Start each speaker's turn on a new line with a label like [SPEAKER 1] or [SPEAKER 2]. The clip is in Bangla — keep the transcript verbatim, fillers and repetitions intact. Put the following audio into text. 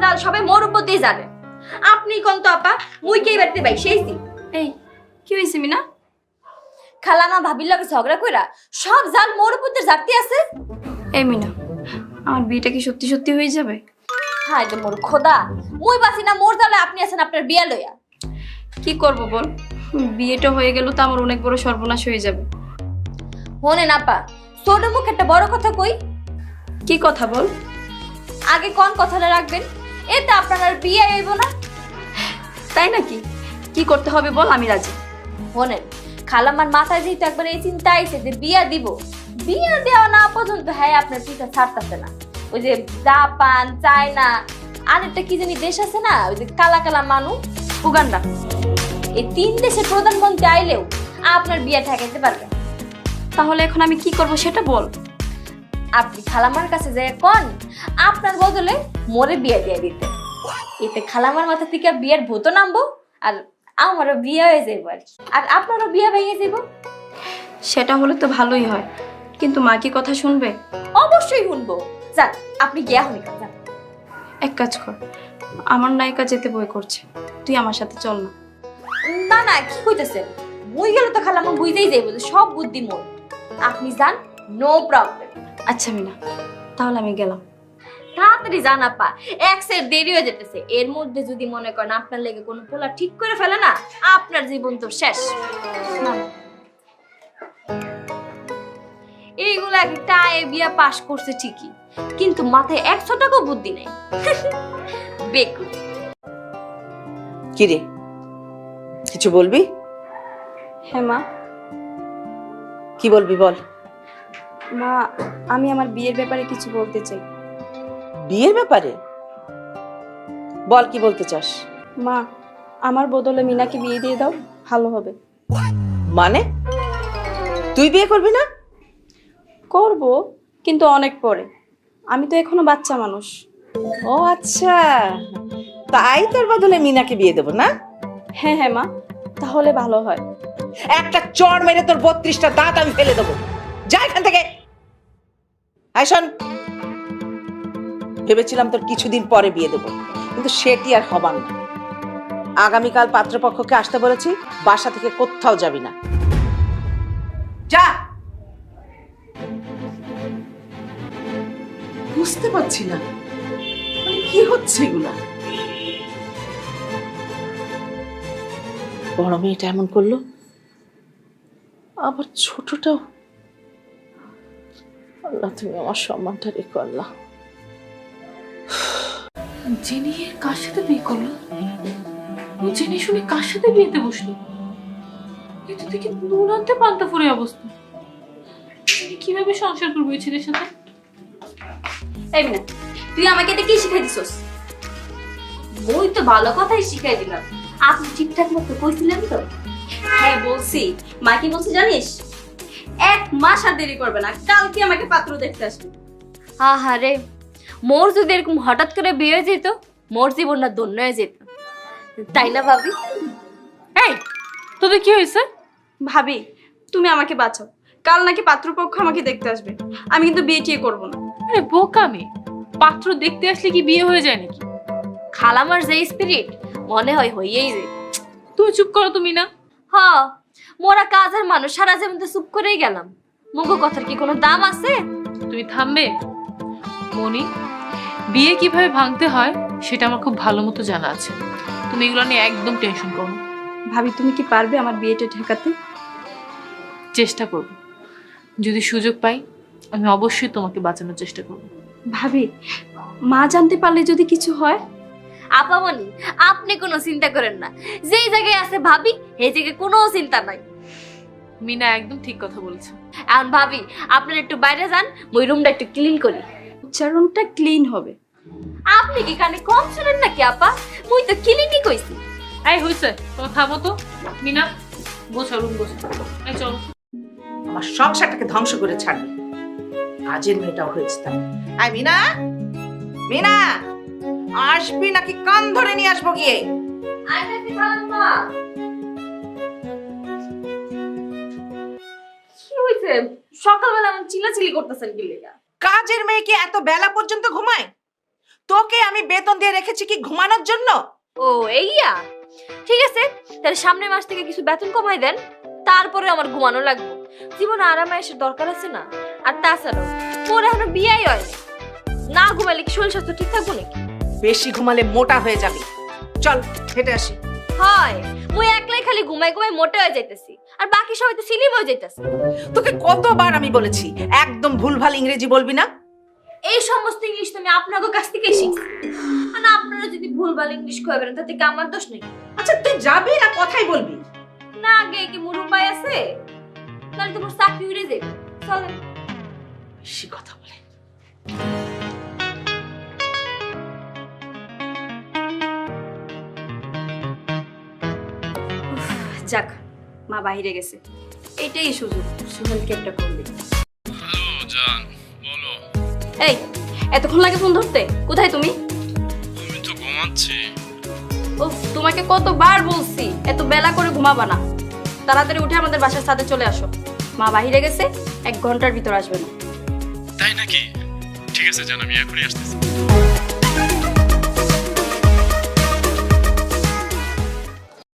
[SPEAKER 1] জাল সবাই মোর উপর দিয়ে যাবে। আপনি কোন তো আপা, মুই কে বাড়িতে ভাই সেইছি।
[SPEAKER 2] এই কি হইছে মিনা?
[SPEAKER 1] খালামা ভাবির লগে ঝগড়া কইরা সব জাল মোর উপর দিয়ে জাগতে আছে।
[SPEAKER 2] এই মিনা, আমার বিয়েটা কি সত্যি সত্যি হয়ে যাবে?
[SPEAKER 1] হায় রে মোর খোদা, মুই বাসি না মোর জালে আপনি আছেন আপনার বিয়া লইয়া।
[SPEAKER 2] কি করব বল, বিয়েটা হয়ে গেল তো আমার অনেক বড় সর্বনাশ হয়ে যাবে।
[SPEAKER 1] হনে না পা, ছোট মুখ একটা বড় কথা কই।
[SPEAKER 2] কি কথা বল?
[SPEAKER 1] আগে কোন কথাটা রাখবেন, এতে আপনার আর বিয়ে হইব না।
[SPEAKER 2] তাই নাকি? কি করতে হবে বল, আমি রাজি।
[SPEAKER 1] হনেন, খালামার মাথায় যেহেতু একবার এই চিন্তা আইছে যে বিয়া দিব, বিয়া দেওয়া না পর্যন্ত হ্যাঁ আপনার পিছা ছাড়তেছে না। ওই যে জাপান, চায়না, আর একটা কি জানি দেশ আছে না, ওই যে কালা কালা মানুষ, উগান্ডা, এই তিন দেশের প্রধানমন্ত্রী আইলেও আপনার বিয়া ঠেকাইতে পারবে।
[SPEAKER 2] তাহলে এখন আমি কি করব সেটা বল।
[SPEAKER 1] আপনি খালামার কাছে যাই কোন আপনার বদলে মোরে বিয়া দিয়ে দিতে, এতে খালামার মাথা থেকে বিয়ের ভূত নামবো, আর আমারও বিয়ে হয়ে যাইব, আর আপনারও বিয়ে ভেঙে যাইব।
[SPEAKER 2] সেটা হলে তো ভালোই হয়, কিন্তু মা কি কথা শুনবে?
[SPEAKER 1] অবশ্যই শুনবো। যান আপনি গিয়া হনি যান।
[SPEAKER 2] এক কাজ কর, আমার নায়িকা যেতে বই করছে, তুই আমার সাথে চল না।
[SPEAKER 1] না না, কি কইতেছেন? মুই গেলে তো খালামা বুঝতেই যাইব যে সব বুদ্ধি মোর। আপনি যান, নো প্রবলেম।
[SPEAKER 2] আচ্ছা মিনা, তাহলে আমি গেলাম।
[SPEAKER 1] তাড়াতাড়ি যান আপা, এক সেট দেরি হয়ে যেতেছে। এর মধ্যে যদি মনে করেন আপনার লেগে কোনো পোলা ঠিক করে ফেলে না, আপনার জীবন তো শেষ।
[SPEAKER 2] না,
[SPEAKER 1] এইগুলা টায়ে বিয়া পাস করছে ঠিকই, কিন্তু মাথায় একশো টাকা বুদ্ধি নেই। বেকুব।
[SPEAKER 3] কি রে, কিছু বলবি?
[SPEAKER 2] হ্যাঁ মা।
[SPEAKER 3] কি বলবি বল।
[SPEAKER 2] মা, আমি আমার বিয়ের ব্যাপারে কিছু বলতে চাই।
[SPEAKER 3] বিয়ের ব্যাপারে? বল কি বলতে চাস।
[SPEAKER 2] মা, আমার বদলে মিনাকে বিয়ে দিয়ে দাও, ভালো হবে।
[SPEAKER 3] মানে তুই বিয়ে করবি না?
[SPEAKER 2] করব, কিন্তু অনেক পরে। আমি তো এখনো বাচ্চা মানুষ।
[SPEAKER 3] ও আচ্ছা, তাই তোর বদলে মিনাকে বিয়ে দেবো না?
[SPEAKER 2] হ্যাঁ হ্যাঁ মা, তাহলে ভালো হয়।
[SPEAKER 3] একটা চড় মেরে তোর বত্রিশটা দাঁত আমি ফেলে দেবো। যা এখান থেকে। আয় শোন, ভেবেছিলাম তোর কিছুদিন পরে বিয়ে দেবো, কিন্তু সেটি আর হবার না। আগামীকাল পাত্রপক্ষকে আসতে বলেছি, বাসা থেকে কোথাও যাবি না। যা।
[SPEAKER 4] বুঝতে পারছি না মানে কি হচ্ছে এগুলা।
[SPEAKER 3] বড় মেয়েটা এমন করলো, আবার ছোটটাও। আল্লাহ তুমি আমার সম্মানটা রেখো আল্লাহ।
[SPEAKER 4] জেনে কার সাথে বিয়ে করলো? ও জেনে শুনে কার সাথে বিয়েতে বসলো? এটা থেকে নুন আনতে পান্তা ফুরে অবস্থা। আমি কিভাবে সংসার করবো এই ছেলের সাথে?
[SPEAKER 1] এই মিনা, তুই আমাকে এটা কি শিখাই দিছস? মই তো ভালো কথাই শিখাই দিলাম। আপনি ঠিকঠাক মতো কইছিলেন তো?
[SPEAKER 2] হ্যাঁ বলছি। মা কি বলছে জানিস? এক মাস আর দেরি করবে না, কালকে আমাকে পাত্র দেখতে আসবে।
[SPEAKER 1] আহারে, মোর যদি এরকম হঠাৎ করে বিয়ে হয়ে যেত, মোর জীবনটা ধন্য হয়ে যেত, তাই না ভাবি?
[SPEAKER 4] এই তোদের কি হয়েছে?
[SPEAKER 2] ভাবি, তুমি আমাকে বাঁচাও। কাল নাকি পাত্রপক্ষ আমাকে দেখতে আসবে, আমি কিন্তু বিয়ে টিয়ে করবো না।
[SPEAKER 4] আরে বোকামি, পাত্র দেখতে আসলে কি বিয়ে হয়ে যায় নাকি?
[SPEAKER 1] খালামার যে স্পিরিট, মনে হয় হইয়েই যায়।
[SPEAKER 4] তুমি চুপ করো তুমি না।
[SPEAKER 1] হ, মোরা কাজের মানুষ, সারা জীবন তো চুপ করেই গেলাম। মুগো কথার কি কোনো দাম আছে?
[SPEAKER 4] তুমি থামবে? মনি, বিয়ে কিভাবে ভাঙতে হয় সেটা আমার খুব ভালো মতো জানা আছে। তুমি এগুলো নিয়ে একদম টেনশন করো না।
[SPEAKER 2] ভাবি, তুমি কি পারবে আমার বিয়েটা ঠেকাতে?
[SPEAKER 4] চেষ্টা করব, যদি সুযোগ পাই আমি অবশ্যই তোমাকে বাঁচানোর চেষ্টা করব।
[SPEAKER 2] ভাবি, মা জানতে পারলে যদি কিছু হয়?
[SPEAKER 1] আপামনি, আপনি কোনো চিন্তা করেন না। যেই জায়গায় আছে ভাবি, সেই জায়গায় কোনো চিন্তা নাই।
[SPEAKER 4] মিনা একদম ঠিক কথা বলেছে।
[SPEAKER 1] এখন ভাবি, আপনার একটু বাইরে যান, ওই রুমটা একটু ক্লিন করি।
[SPEAKER 2] উচ্চারণটা ক্লিন হবে।
[SPEAKER 1] আপনি কি কানে কম শুনেন নাকি আপা? মুই তো ক্লিনই কইছি।
[SPEAKER 4] এই হইছে, তোমার থামো তো। মিনা, গোছা রুম গোছা। এই চলো।
[SPEAKER 3] আমার সংসারটাকে ধ্বংস করে ছাড়বি। কাজের মেয়েটাও হয়েছে তাই। আয় মিনা, মিনা আসবি নাকি কান ধরে নিয়ে আসবো গিয়ে?
[SPEAKER 1] আইতাছি খালাম্মা। কি হইছে? সকালবেলা এমন চিল্লাচিল্লি করতেছেন কি লেগা?
[SPEAKER 3] কাজের মেয়ে কি এত বেলা পর্যন্ত ঘুমায়? তোকে আমি বেতন দিয়ে রেখেছি কি ঘুমানোর জন্য?
[SPEAKER 1] ও এইয়া, ঠিক আছে, তাহলে সামনের মাস থেকে কিছু বেতন কমাই দেন, তারপরে আমার ঘুমানো লাগবে। জীবনে আরামে এসে দরকার আছে না? আর তাছাড়াও মোর এখনো বিয়াই হয় না, না ঘুমাইলে কি শরীর স্বাস্থ্য ঠিক থাকবো নাকি?
[SPEAKER 3] বেশি ঘুমালে মোটা হয়ে যাবি। চল হেঁটে আসি।
[SPEAKER 1] হয়, মুই একলাই খালি ঘুমাই ঘুমাই মোটা হয়ে যাইতেছি, আর বাকি সবাই তো স্লিম হয়ে যাইতেছে।
[SPEAKER 3] তোকে কতবার আমি বলেছি একদম ভুলভাল ইংরেজি বলবি না।
[SPEAKER 1] এই সমস্ত ইংলিশ তো আমি আপনাদের কাছ থেকেই শিখছি, আর আপনারা যদি ভুলভাল ইংলিশ কইবেন তাতে কি আমার দোষ নাকি?
[SPEAKER 3] আচ্ছা তুই যাবি না কথাই বলবি?
[SPEAKER 1] না আগে কি মোর উপায় আছে? তাহলে তোমার চাকরি উড়ে যাবে। চলেন।
[SPEAKER 3] বেশি কথা বলে।
[SPEAKER 2] যাক, মা বাইরে গেছে, এইটাই সুযোগ সুহেলকে একটা ফোন দিই।
[SPEAKER 5] হ্যালো জান, বলো।
[SPEAKER 2] এই এতক্ষণ লাগে ফোন ধরতে? কোথায় তুমি?
[SPEAKER 5] আমি তো ঘুমাচ্ছি।
[SPEAKER 2] উফ, তোমাকে কতবার বলছি এত বেলা করে ঘুমাবা না, তাড়াতাড়ি উঠে আমাদের বাসার ছাদে চলে আসো। মা বাইরে গেছে, এক ঘন্টার ভিতর আসবে না।
[SPEAKER 5] তাই নাকি? ঠিক আছে জান, আমি এখনই আসতেছি।